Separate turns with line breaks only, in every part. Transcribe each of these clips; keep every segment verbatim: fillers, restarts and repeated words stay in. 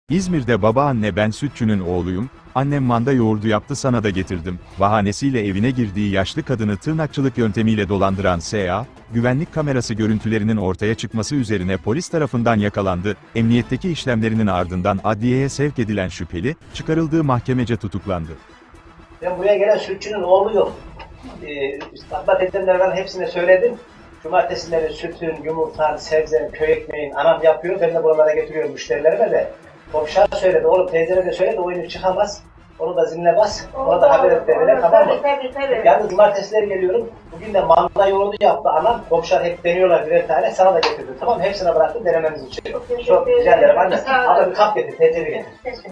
İzmir'de babaanne ben sütçünün oğluyum, annem manda yoğurdu yaptı sana da getirdim, bahanesiyle evine girdiği yaşlı kadını tırnakçılık yöntemiyle dolandıran S A, güvenlik kamerası görüntülerinin ortaya çıkması üzerine polis tarafından yakalandı, emniyetteki işlemlerinin ardından adliyeye sevk edilen şüpheli, çıkarıldığı mahkemece tutuklandı.
Ben buraya gelen sütçünün oğluyum. Ee, İstanbul teyzemlerden hepsine söyledim. Cumartesileri sütün, yumurtan, sebzenin, köy ekmeğin anam yapıyor. Ben de buralara getiriyorum müşterilerime de. Komşuya söyledi, oğlum teyzene de söyledi, o inip çıkamaz. Onu da ziline bas, ona da haber et derine, tamam mı?
Tabii tabii.
Yalnız cumartesileri geliyorum. Bugün de manda yoğurdu yaptı anam. Komşular hep deniyorlar birer tane, sana da getirdim. Tamam mı? Hepsine bıraktım denemeniz için.
Çok teşekkür
Çok rica ederim anne.
Sağ olun.
Ama bir kap getir, teyzeni getir.
Teşekkür.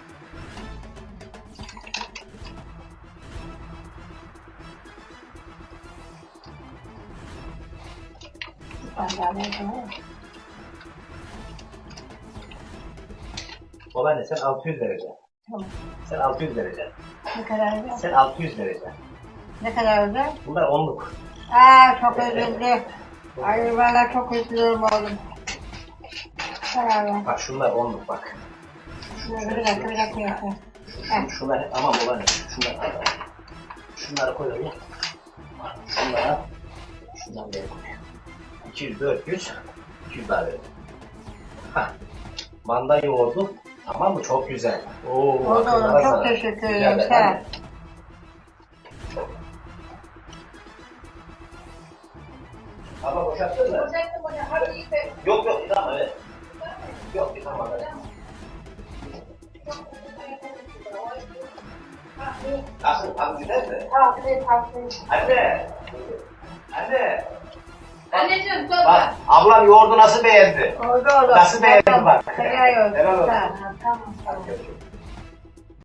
Babaanne sen altı yüz vereceksin.
Tamam.
Sen altı yüz vereceksin.
Ne kadar özel?
Sen altı yüz vereceksin.
Ne kadar özel?
Bunlar onluk.
Aa çok üzüldü. Ay valla çok üzülüyorum oğlum. Karar ver.
Bak şunlar onluk bak.
Bir dakika bir dakika. bir dakika.
Şu, şunlar aman babaanne şunlar. Şunları koy oraya. Şunlara. Şundan beri koy. iki yüz, dört yüz. iki yüz daha verelim. Hah. Manda yoğurdu. Tamam mı? Çok güzel. Oo,
Oldu
akıllara
oğlum çok
sağlık.
teşekkür
Rica
ederim.
ederim,
Sağ ol.
anne. Ama boşalttın mı?
Boşalttım hocam. Hadi iyi be.
Yok yok tamam evet. Yok tamam evet. Nasıl? Abi güzel mi?
Afiyet afiyet.
Anne. Anne.
Anneciğim dur.
Bak ablam yoğurdu nasıl beğendi?
Oldu oğlum.
Nasıl beğendin bak?
Helal olsun.
Helal olsun.
Tamam tamam.
Hadi görüşürüz.